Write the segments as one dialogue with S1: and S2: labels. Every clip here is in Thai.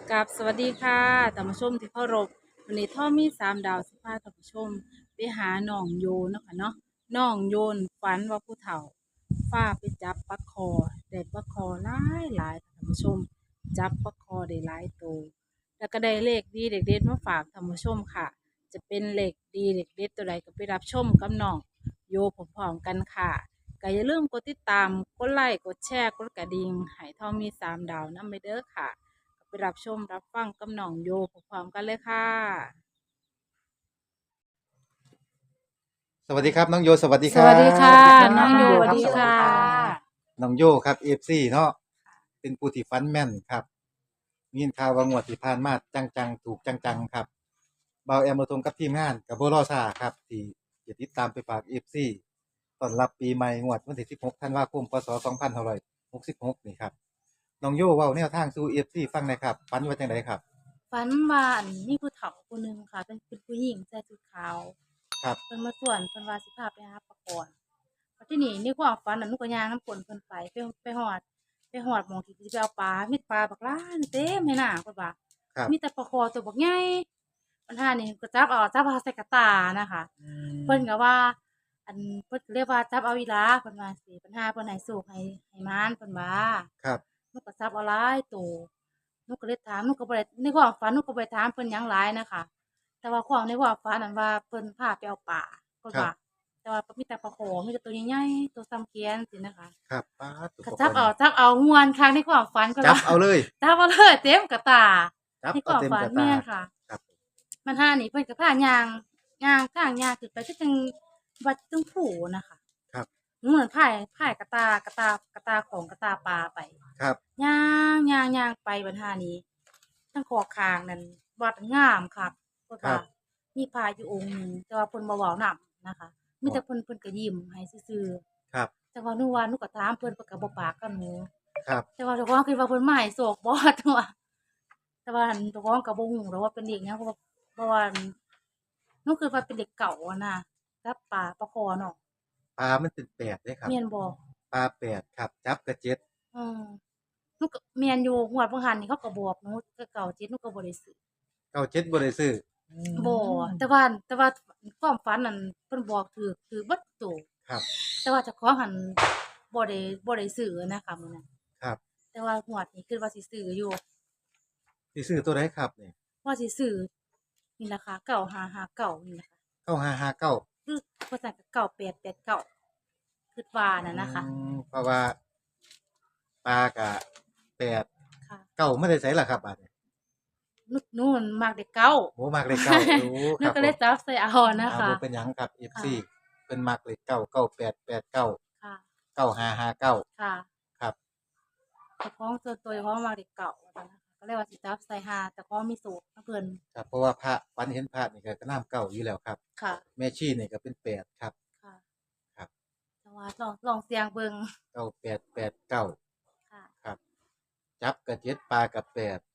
S1: กับสวัสดีค่ะท่านผู้ชมที่เคารพวันนี้ท่อมี3 ดาวสิพาท่านผู้ชมไปหาน้องโยเนาะค่ะเนาะน้องโยนฝันว่าผู้เฒ่าฟ้าไปจับปลาคอได้ปลาคอหลายค่ะท่านผู้ชมจับปลาคอได้หลายตัวแล้วก็ได้เลขดีเด็ดๆมาฝากท่านผู้ชมค่ะจะเป็นเลขดีเลขเด็ดตัวใดก็ไปรับชมกับน้องโยพร้อมๆกันค่ะก็อย่าลืมกดติดตามกดไลค์กดแชร์กดกระดิ่งให้ท่อมี3 ดาวนำไปเด้อค่ะ ไปรับชมรับฟังกับน้องโยพร้อมๆกันเลยค่ะ
S2: สวัสดีครับน้องโยสวัสดี
S1: ส
S2: ครั
S1: วัสดีค่ะ
S2: บ
S1: น้องโยสวัส
S3: ครับ
S1: ดีค่ะ
S3: สวัสดีค่ะ
S2: น้องโยครับเอฟซีเนาะเป็นผู้ที่ฟันแม่นครับมียินข่าวว่างวดที่ผ่านมาจังๆถูกจังๆครับเบาแอมมาทงกับทีมงานกับโบรอซาครับที่จะติดตามไปฝากเอฟซีตอนรับปีใหม่งวดวันที่16ธันวาคมพศ2566นี่ครับน้องโยเว้าแนวทางสู่เอฟซีฟังหน่อยครับฟันว่าจังไดครับ
S1: ฝันว่ามีผู้เฒ่าคนหนึ่งค่ะเป็นผู้หญิงใส่ชุดขาว
S2: ครับ
S1: เพิ่นมาส่วนเพิ่นว่าสิพาไปหาปลาก่อนแล้วที่นี่ในความฝันน่ะหนูก็ย่างน้ำกลนเพิ่นไปฮอดหม้องที่สิไปเอาปลามีปลาบักหลายเต็มให้หน้าเพิ่นว่า
S2: ครับ
S1: มีแต่ปลาคอตัวบักใหญ่ปัญหานี่ก็จับเอาใส่กระตานะคะ
S2: อื
S1: เพิ่น
S2: ม
S1: ก็ว่าอันเพิ่นก็เลยว่าจับเอาอีหลาเพิ่นว่าจั่งซี้ปัญหาเพิ่นให้โชคให้หมานเพิ่นว่า
S2: ครับ
S1: หนูก็จับเอาหลายโตหนูก็เลยถามหนูก็บ่ได้ในความฝันหนูก็บ่ได้ถามเพิ่นหยังหลายน่ะค่ะแต่ว่าความในความฝันนั้นว่าเพิ่นพาไปเอาปลาเพิ่นว่า
S2: ครับ
S1: แต่ว่ามีแต่ปลาขอมีแต่ตัวใหญ่ๆตัวส่ำแขนจังซี้นะคะ
S2: ครับป๊าดตัว
S1: ก็
S2: ปกรณ์
S1: จับเอาม่วนคักในความฝันเพิ่น
S2: จับ
S1: ว่า
S2: เอาเลย
S1: จับเอาเลยเต็มกะตา
S2: จับเอา
S1: ในความฝัน
S2: เต็มกระตา
S1: แม่นค่ะ
S2: ครับ
S1: มันห่านี่เพิ่นก็พาย่างทางย่างขึ้นไปคือจั่งวัดจั่งผู้น่ะค่ะ
S2: ครับ
S1: หนูเหมือนพายกะตาของกะตาปลาไป
S2: ครับ
S1: ย่างไปบัดห่านี้ทั้งขอข้างนั่นวัดงามคักเพิ่นว่า
S2: ครับ
S1: มีพระอยู่องค์หนึ่งแต่ว่าเพิ่นบ่เว้านำนะคะมีแต่เพิ่นก็ยิ้มให้ซื่อ
S2: ครับ
S1: ๆแต่ว่าหนูก็ถามเพิ่นก็บ่ปากกับหนู
S2: ครับ
S1: แต่ว่าเจ้าของคิดว่าเพิ่นมาให้โชคบ่แต่ว่าอั่นเจ้าของก็บ่ฮู้ดอกว่าเป็นเลขหยังเพราะว่าหนูคิดว่าเป็นเลขเก่าอะนะกับปลาคอเนาะ
S2: ปลามันเป็นแปดเด้ครับ
S1: แม่นบ่
S2: ปลาแปดครับจับกระเจ็ด
S1: เออหนูก็แม่นอยู่งวดบ่หันนี่เขาก็บอกหนูแต่เก่า7หนูก็บ่ได้ซื้อ
S2: เก้าเจ็ดบ่ได้ซื้อ
S1: บ่แต่ว่าความฝันนั่นเพิ่นบอกถูกเบิดโต
S2: ครับ
S1: แต่ว่าเจ้าของหั้นบ่ได้ซื้อนะคะมื้อนั้น
S2: ครับ
S1: แต่ว่างวดนี้คิดว่าสิซื้ออยู่
S2: สิซื้อตัวใดครับนี่
S1: ว่าสิซื้อนี่ล่ะค่ะ9559นี่ล่ะค่ะ
S2: 9559
S1: หรือบ่ซั้นก็9889คิดว่า
S2: อื
S1: นั่นน่ะค่ะ
S2: เพราะว่าปลาก็แปด
S1: ค่ะ
S2: เก้ามาได้ไสล่ะครับบาดนี้
S1: หนูนั่นมักเลขเก้า
S2: โอ้มักเลขเก้าโอ้
S1: หนู
S2: ครับผม
S1: ก็เลยจับใส่เอานะ
S2: บ่
S1: คะ
S2: เป็นหยังครับ
S1: ค่ะ
S2: FC เพิ่นมักเลขเก้า9889
S1: ค่ะ
S2: 9559
S1: ค่ะ
S2: ครับ
S1: เจ้าของส่วนตัวเจ้าของมักเลขเก้าว่าซั่นนะคะก็เลยว่าสิจับใส่หาแต่ของมีสูตรของเพิ่น
S2: ครับเพราะว่าพระฝันเห็นพระนี่ก็นามเก้าอยู่แล้วครับ
S1: ค่ะ
S2: แม่ชีนี่ก็เป็นแปดครับ
S1: ค่ะ
S2: ครับ
S1: แต่ว่าลองเสียงเบิ่ง
S2: 9889
S1: ค่ะ
S2: ครับจับกับเจ็ดปลากับแปด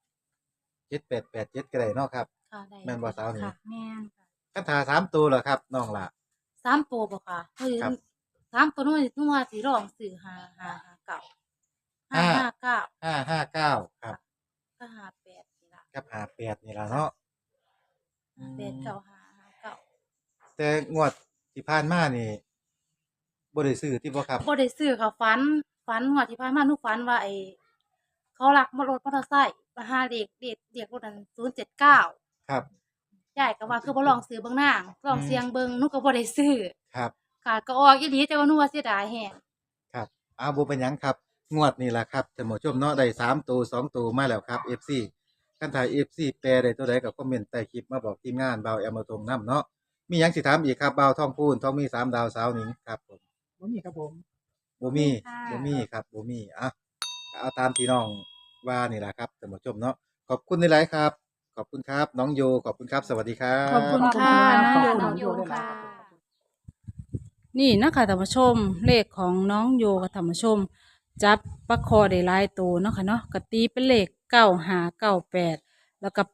S2: 7887ก็ได้เนาะครับ
S1: ค่ะได้
S2: แม่นบ่สาวนี่
S1: ค่ะแม่นค่ะ
S2: คันถ้าสามตัวเหรอครับน้องล่ะ
S1: 3ตัวบ่ค่ะเฮ้ย
S2: ครับ
S1: 3ตัวหนูว่าสิลองซื้อ559
S2: ห้า
S1: 559
S2: 559ครับ
S1: ก็58นี่ล่ะ
S2: กับ58นี่ล่ะเนาะอื
S1: 58
S2: ม
S1: เก้า559
S2: แต่งวดที่ผ่านมานี่บ่ได้ซื้อติบ่ครับ
S1: บ่ได้ซื้อค่ะฝันงวดที่ผ่านมาหนูฝันว่าเขาลักรถมอเตอร์ไซค์มาหาเลขรถนั้น079
S2: ครับ
S1: ยายก็ว่าคือบ่ลองซื้อเบิ่งนางลอง
S2: อืม
S1: เสียงเบิ่งหนูก็บ่ได้ซื้อ
S2: ครับ
S1: ค่ะก็ออกอีหลีแต่ว่าหนูว่าเสียดายแฮง
S2: ครับบ่เป็นหยังครับงวดนี่ล่ะครับท่านผู้ชมเนาะได้สามตัวสองตัวมาแล้วครับ FC คันถ้า FC แปลได้ตัวใดก็คอมเมนต์ใต้คลิปมาบอกทีมงานบ่าวแอมมาตรงนํเนาะมีหยังสิถามอีกครับบ่าวทองพูนทองมี3 ดาวสาวหนิงครับผม
S3: บ่มีครับผม
S2: บ่มี
S1: ค่ะ
S2: บ่มีครับบ่มีก็เอาตามที่น้องว่านี่แหละครับท่านผู้ชมเนาะขอบคุณหลายๆครับขอบคุณครับน้องโยขอบคุณครับสวัสดีครั
S1: ขอบคุณ
S2: บ
S1: ค่ะน้องโย
S3: ขอบคุณ
S1: น้องโย
S3: ด้วย
S1: ค่ะ
S3: ครับผม
S1: นี่นะคะท่านผู้ชมเลขของน้องโยกับท่านผู้ชมจับปลาคอได้หลายตัวเนาะค่ะเนาะกตีเป็นเลข9598แล้วก็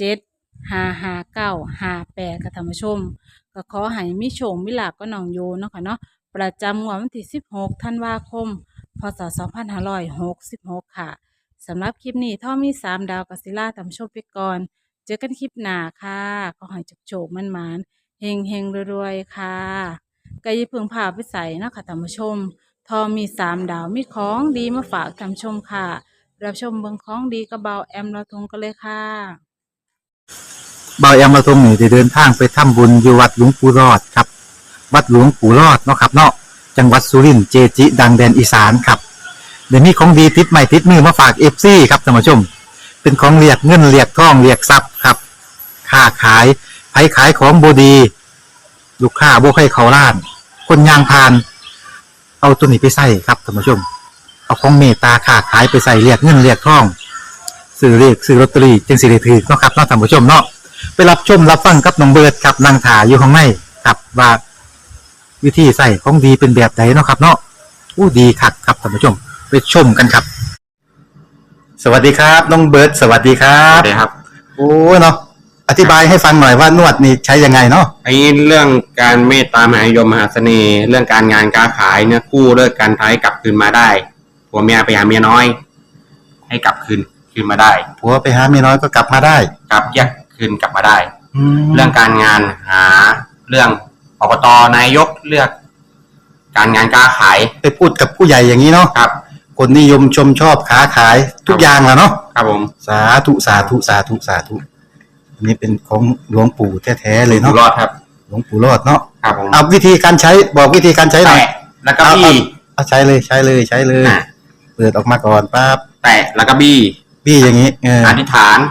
S1: 87559558ค่ะท่านผู้ชมก็ขอให้มีโชคมีลาภกับน้องโยเนาะค่ะเนาะประจำงวดวันที่16ธันวาคมพศ2566ค่ะสำหรับคลิปนี้ท่อมี3 ดาวกัสิล่าท่านผู้ชมไปก่อนเจอกันคลิปหน้าค่ะขอให้โชคๆมันๆเฮงๆรวยๆค่ะก็อย่าเพิ่งพาไปใส่นาะคะท่านผู้ชมทอมี3 ดาวมีของดีมาฝากท่านผู้ชมค่ะรับชมเบิ่งของดีกระเบาแอมเราทงกันเลยค่ะ
S2: เบาแอมมาทรงนี่ได้เดินทางไปทำบุญอยู่วัดหลวงปู่รอดครับวัดหลวงปู่รอดเนาะครับเนาะจังหวัดสุรินทร์เจจิ ดังแดนอีสานครับเดี๋ยวนี้ของดีติดใหม่ติดมือมาฝากเอฟซีครับท่านผู้ชมเป็นของเรียกเงินเรียกทองเรียกทรัพย์ครับค้าขายไผขายของบดีลูกค้าบ่ใครเขาล้าน คนยางพาน เอาตัวนี้ไปใส่ครับท่านผู้ชมเอาของเมตตาค้าขายไปใส่เรียกเงินเรียกทองซื้อเรียกซื้อลอตเตอรี่จึงสิได้ถือเนาะครับเนาะท่านผู้ชมเนาะไปรับชมรับฟังกับน้องเบิร์ดครับนางถาอยู่ข้างในครับว่าวิธีใส่ของดีเป็นแบบไหนเนาะครับเนาะอู้ดีคักครับท่านผู้ชมไปชมกันครับ สวัสดีครับน้องเบิร์ดสวัสดีครั
S3: สวั
S2: บ
S3: สดีครับ
S2: โอ้เนาะอธิบายให้ฟังหน่อยว่านวดนี่ใช้ยังไงเนาะ
S3: ไอ้เรื่องการเมตตามหานิยมมหาเสน่ห์ เรื่องการงานการขายเนี่ยกู้เลิกการท้ายกลับคืนมาได้ผัวเมียไปหาเมียน้อย ให้กลับคืนมาได้
S2: ผัวไปหาเมียน้อยก็กลับมาได้
S3: กลับแยกคืนกลับมาได้
S2: เรื่
S3: เรื่องการงานหาเรื่องอบตนายกเลือก การงานการขาย
S2: ไปพูดกับผู้ใหญ่อย่างนี้เนาะ
S3: ครับ
S2: คนนิยมชมชอบค้าขายทุกอย่างแหล้วเนาะ
S3: ครับผม
S2: สาธุสาธุสาธุสาธุอันนี้เป็นของหลวงปู่แท้ๆเลยเนาะ
S3: รอดครับ
S2: หลวงปู่รอดเนาะ
S3: ครับผม
S2: เอาวิธีการใช้บอกวิธีการใช้หน่อย
S3: แล้วก็บี้
S2: เอาใช้เลยเปิดออกมาก่อนปั๊บ
S3: แตะแล้วก็บี้
S2: อย่างนี้
S3: อธิษฐาน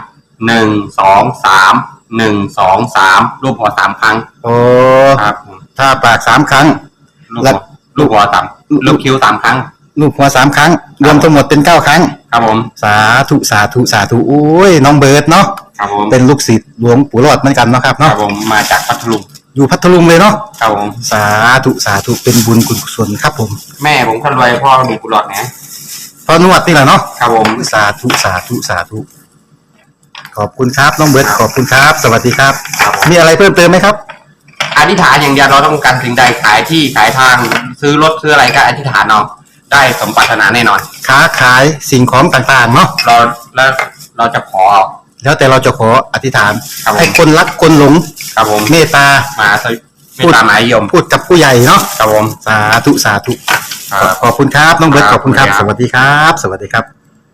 S3: 1 2 3 1 2 3รูปหัว3 ครั้ง
S2: โอ้
S3: ครับ
S2: ถ้าปาก3 ครั้ง
S3: ลูกหัวลูกคิ้ว3 ครั้ง
S2: ลูกหัว3 ครั้งรวมทั้งหมดเป็น9 ครั้ง
S3: ครับผม
S2: สาธุสาธุสาธุโอ้ยน้องเบิร์ดเนาะ
S3: ครับผม
S2: เป็นลูกศิษย์หลวงปู่รอดเหมือนกันเนาะครับ
S3: ครั
S2: เนาะ
S3: บผมมาจากพัทลุง
S2: อยู่พัทลุงเลยเนาะ
S3: ครับผม
S2: สาธุสาธุเป็นบุญกุศลครับผม
S3: แม่ผมคนรวยพ่อมีกุหลาบนะ
S2: พอนวดนี่แหละเนาะ
S3: ครับผม
S2: สาธุสาธุสาธุขอบคุณครับน้องเบิร์ดขอบคุณครับสวัสดีครับมีอะไรเพิ่มเติมไหมครับ
S3: อธิษฐานอย่างเดียวเราต้องการสิ่งใดขายที่ขายทางซื้อรถซื้ออะไรก็อธิษฐานเอาได้สมปรารถนาแน่นอน
S2: ค้าขายสิ่งของต่างๆเนาะ
S3: เราจะขอ
S2: แล้วแต่เราจะขออธิษฐานให้คนรักคนหลง
S3: ครับผม
S2: เมตตา
S3: มาเมตตามหานิยม
S2: พูดกับผู้ใหญ่เนาะ
S3: ครับผม
S2: สาธุสาธุขอบคุณครับน้องเบิร์ตขอบคุณครับสวัสดีครับสวัสดีครับ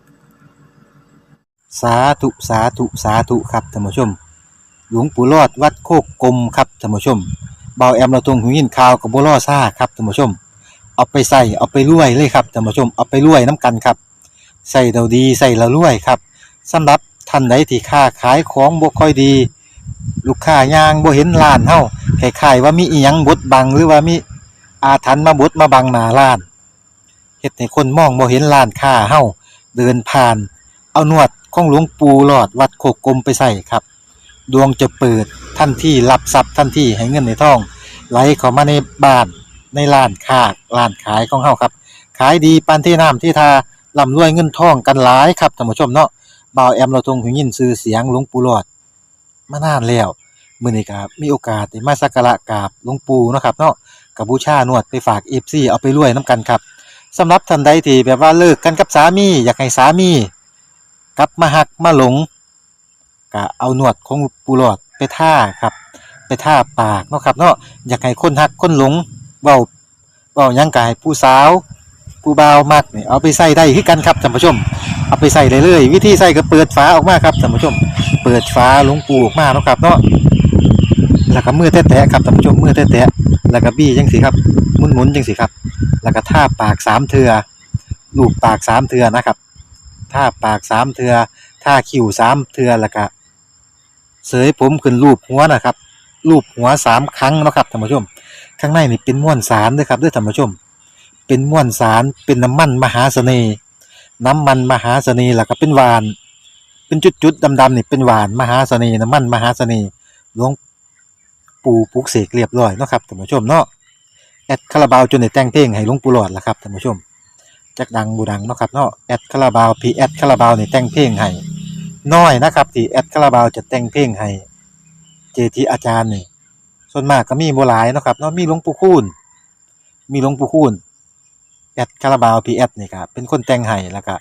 S2: สาธุสาธุสาธุครับท่านผู้ชมหลวงปู่รอดวัดโคกกลมครับท่านผู้ชมเบาแอมเราตรงหูยินข่าวกับบัวล่อซ่าครับท่านผู้ชมเอาไปใส่เอาไปรวยเลยครับท่านผู้ชมเอาไปรวยน้ำกันครับใส่เราดีใส่เรารวยครับสำหรับท่านใดที่ค้าขายของบ่ค่อยดีลูกค้ายางบ่เห็นร้านเฮาคล้ายๆว่ามีอีหยังบดบังหรือว่ามีอาถรรพ์มาบดมาบังหน้าร้านเฮ็ดให้คนมองบ่เห็นร้านค้าเฮาเดินผ่านเอานวดของหลวงปู่หลอดวัดโคกกลมไปใส่ครับดวงจะเปิดทันทีรับทรัพย์ทันทีให้เงินในท้องไหลเข้ามาในบ้านในร้านค้าร้านขายของเฮาครับขายดีปานที่น้ำที่ทาร่ำรวยเงินทองกันหลายครับท่านผู้ชมเนาะบ่าวแอมเราทรงหูยินชื่อเสียงหลวงปู่หลอดมานานแล้วมื้อนี้ก็มีโอกาสได้มาสักการะกราบหลวงปู่เนาะครับเนาะก็บูชานวดไปฝาก FC เอาไปรวยนํกันครับสำหรับท่านใดที่แบบว่าเลิกกันกับสามีอยากให้สามีกลับมาหักมาหลงก็เอานวดของปู่หลอดไปท่าครับไปท่าปากเนาะครับเนาะอยากให้คนหักคนหลงเว้าหยังก็ให้ผู้สาวผู้บ่าวมักนี่เอาไปใส่ได้คือกันครับท่านผู้ชมเอาไปใส่ได้เลยวิธีใส่ก็เปิดฝาออกมาครับท่านผู้ชมเปิดฝาหลวงปู่ออกมาเนาะครับเนาะแล้วก็มือแตะๆครับท่านผู้ชมมือแตะๆแล้วก็บี้จังซี่ครับหมุนๆจังซี่ครับแล้วก็ท่าปาก3เทื่อลูบปาก3เทื่อนะครับท่าปาก3เทื่อท่าคิ้ว3เทื่อแล้วก็เสยผมขึ้นรูปหัวนะครับรูปหัว3 ครั้งเนาะครับท่านผู้ชมข้างในนี่เป็นม้วนสารเด้อครับเด้อท่านผู้ชมเป็นม้วนสารเป็นน้ำมันมหาเสน่ห์น้ำมันมหาเสน่ห์แล้วก็เป็นหวานเป็นจุดๆดำๆนี่เป็นหวานมหาเสน่ห์น้ำมันมหาเสน่ห์หลวงปู่ปลุกเสกเรียบร้อยเนาะครับท่านผู้ชมเนาะแอดคาราบาวจนได้แต่งเพลงให้หลวงปู่หลอดล่ะครับท่านผู้ชมจักดังบูดังเนาะครับเนาะแอดคาราบาวพี่แอดคาราบาวนี่แต่งเพลงให้น้อยนะครับที่แอดคาราบาวจะแต่งเพลงให้เจทีอาจารย์นี่ส่วนมากก็มีบ่หลายเนาะครับเนาะมีหลวงปู่คูณแอดคาราบาวพีแอดนี่ครับเป็นคนแต่งให้แล้วก็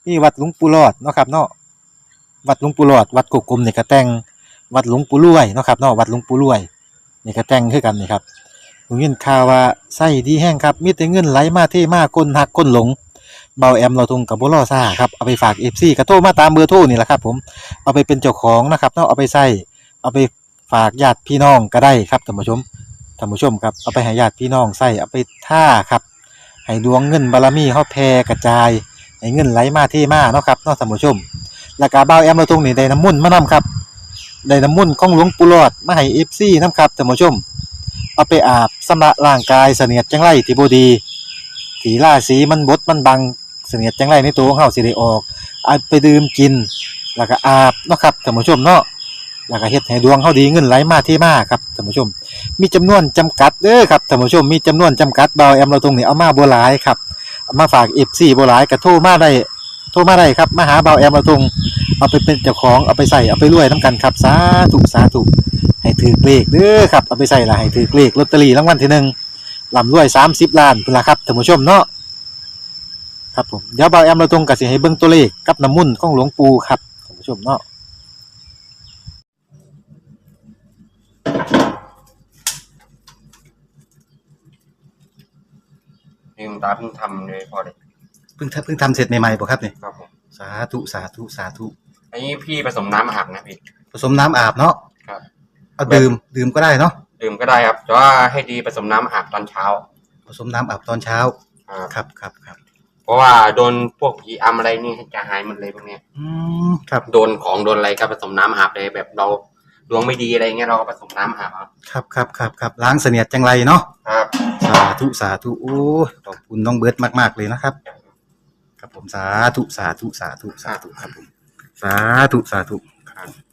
S2: มีวัดหลวงปู่รอดเนาะครับเนาะวัดหลวงปู่รอดวัดกุกกลมนี่ก็แต่งวัดหลวงปู่รวยเนาะครับเนาะวัดหลวงปู่รวยนี่ก็แต่งคือกันนี่ครับผมยินข่าวว่าไส้ดีแห้งครับมีแต่เงินไหลมาเทมาก้นหักก้นหลงเบาแอมเราทงกับบ่รอซ่าครับเอาไปฝาก FC ก็โทรมาตามเบอร์โทรนี่แหละครับผมเอาไปเป็นเจ้าของนะครับเนาะเอาไปใส่เอาไปฝากญาติพี่น้องก็ได้ครับท่านผู้ชมครับเอาไปให้ญาติพี่น้องใส่เอาไปท่าครับให้ดวงเงินบารมีเฮาแผ่กระจายให้เงินไหลมาเทมาเนาะครับเนาะท่านผู้ชมแล้วก็บ่าวแอมเราตรงนี้ได้น้ำมนต์มานํครับได้น้ำมนต์ของหลวงปู่หลอดมาให้ FC นํครับท่านผู้ชมเอาไปอาบชำระร่างกายเสนียดจังไรที่บ่ดีที่ราศีมันบดมันบังเสนียดจังไรในตัวของเฮาสิได้ออกเอาไปดื่มกินแล้วก็อาบเนาะครับท่านผู้ชมเนาะแล้วก็เฮ็ดให้ดวงเฮาดีเงินไหลมาเทมาครับท่านผู้ชมมีจำนวนจำกัดเด้อครับท่านผู้ชมมีจำนวนจำกัดบ่าวแอมเราตรงนี้เอามาบ่หลายครับเอามาฝาก FC บ่หลายก็โทรมาได้ครับมาหาเบาแอมมาตรงเอาไปเป็นเจ้าของเอาไปใส่เอาไปรวยน้ำกันครับสาธุให้ถือเลขเด้อครับเอาไปใส่ละให้ถือเลขลอตเตอรี่รางวัลที่หนึ่งลำรวย30 ล้านพุ่นละครับท่านผู้ชมเนาะครับผมเดี๋ยวเบาแอมมาตรงก็สิให้เบิ่งตัวเลขกับน้ำมุ่นต์ของหลวงปู่ครับท่านผู้ชมเนาะ
S3: นี่คุณตาเพิ่งทำเลยพอเลย
S2: เพิ่งทำเสร็จใหม่ๆบ่ครับนี่
S3: ครับผม
S2: สาธุ
S3: อันนี้พี่ผสมน้ำอาบนะพี่
S2: ผสมน้ำอาบเนาะ
S3: ครับ
S2: เอาดื่มก็ได้เนาะ
S3: ดื่มก็ได้ครับแต่ว่าให้ดีผสมน้ำอาบตอนเช้า
S2: ผสมน้ำอาบตอนเช้า
S3: ครับ
S2: ครับ
S3: เพราะว่าโดนพวกผีอำอะไรนี่จะหายหมดเลยพวกเนี้ย
S2: ครับ
S3: โดนของโดนอะไรก็ผสมน้ำอาบเลยแบบเราดวงไม่ดีอะไรเงี้ยเราก็ผสมน้ำอาบ
S2: ครับล้างเสนียดจังไรเนาะ
S3: ครับ
S2: สาธุโอ้ขอบคุณน้องเบิร์ตมากๆเลยนะครับครับผมสาธุครับผมสาธุครับ